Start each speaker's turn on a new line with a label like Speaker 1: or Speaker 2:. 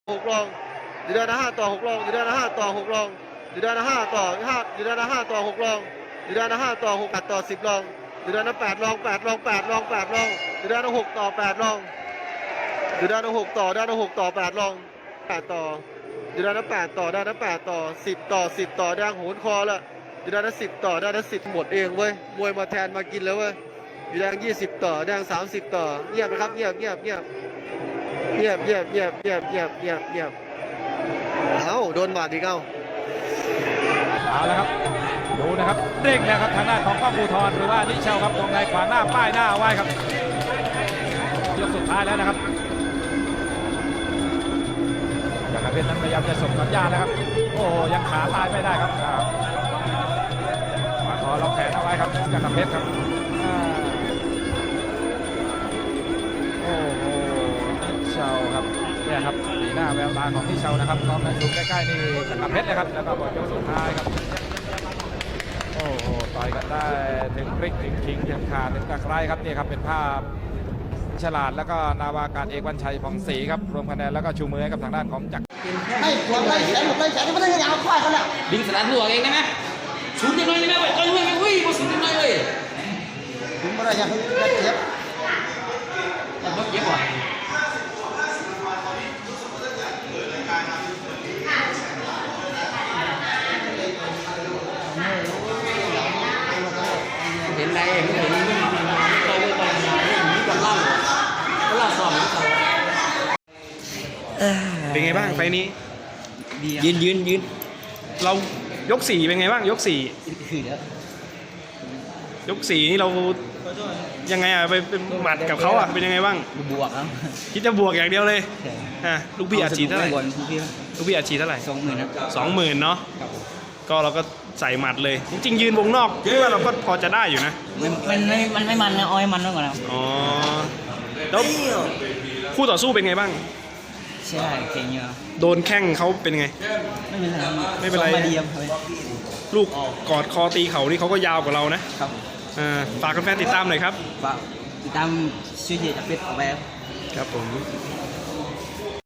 Speaker 1: 6 ลองอยู่ด้าน5 ต่อ 6 ลองอยู่ด้าน5 ต่อ 6 ลองอยู่ด้าน5 ต่อ5อยู่ด้าน5 ต่อ 6 ลองอยู่ด้าน5 ต่อ 6 8 ต่อ 10 ลองอยู่ด้าน8 ลอง8 ลอง8 ลอง8 ลองอยู่ด้าน6 ต่อ 8 ลองอยู่ด้าน6 ต่อด้าน6 ต่อ 8 ลอง8 ต่ออยู่ด้าน8 ต่อด้าน8 ต่อ 10 ต่อ 10 ต่อด้านโหนคอละอยู่ด้าน10 ต่อด้าน10หมดเองเว้ยมวยมาแทนมากินแล้วเว้ยอยู่ด้าน20 ต่อด้าน30 ต่อเงียบนะครับเงียบเอ้าโดนบาดอีกเอ้า
Speaker 2: เอาละครับดูนะครับเร่งแล้วครับทางด้านของกล้องภูธรหรือว่านิเชลครับวงในขวางหน้าป้ายหน้าไว้ครับยกสุดท้ายแล้วนะครับจักรเพชรนั้นพยายามจะส่งสัญญาณแล้วครับโอ้ยังขาตายไม่ได้ครับขวาคอล็อกแขนเอาไว้ครับจักรเพชรครับโอ้โหนิเชลครับเนี่ยครับสีหน้าแววตาของนิเชลนะครับลองดูใกล้ๆนี่จักรเพชรเลยครับแล้วก็บทยกสุดท้ายครับโอ้โหต่อยกันได้ถึงพริกถึงขิงถึงขาถึงตะไคร้ครับนี่ครับเป็นภาพฉลาดแล้วก็นาวากาศเอกวันชัยผ่องศรีครับรวมคะแนนแล้วก็ชูมือให้กับทางด้านของจักร
Speaker 3: ไม่ควรไล่แขนผมไล่แขนไม่ได้ยาวควายเขาเนี่ย
Speaker 4: ดึงสลัดหัวเองได้ไหมชุดยังไงได้ไหมเว้ยต่อยยังไงเว้ยบอสยังไงเว้ย
Speaker 3: ผมไม่ได้ยังได้เจ็บ
Speaker 4: มันก็เจ็บว่ะเห็นไรเห็นต่อยต่อยนี่กับเล่าก็เล่าสอบนี่เขา
Speaker 5: เป็นไงบ้างไฟนี้
Speaker 4: ยืน
Speaker 5: เรายก4เป็นไงบ้างยก4ยก4นี่เรายังไงไปเป็นหมัดกับเขาอ่ะเป็นยังไงบ้าง
Speaker 4: บวกครับ
Speaker 5: คิดจะบวกอย่างเดียวเลยลูกพี่อาชีพเท่าไหร่ลูกพี่อาชีพเท่าไหร่
Speaker 4: 20,000ครับ
Speaker 5: 20,000เนาะก็เราก็ใส่หมัดเลยจริงๆยืนวงนอกคิดว่าเราก็พอจะได้อยู่นะ
Speaker 4: มันไม่มันนะอ้อยมันมากกว่าแล้ว
Speaker 5: อ๋อแล้วคู่ต่อสู้เป็นไงบ้าง
Speaker 4: ใช่เก่งเยอะ
Speaker 5: โดนแข้งเขาเป็นไงไม่เป็นไรลูกกอดคอตีเขานี่เขาก็ยาวกว่าเรานะครับฝากแฟนๆติดตามหน่อยครับ
Speaker 4: ฝากติดตามชื่อเจจักรเพชรเอาไว้
Speaker 5: ครับผม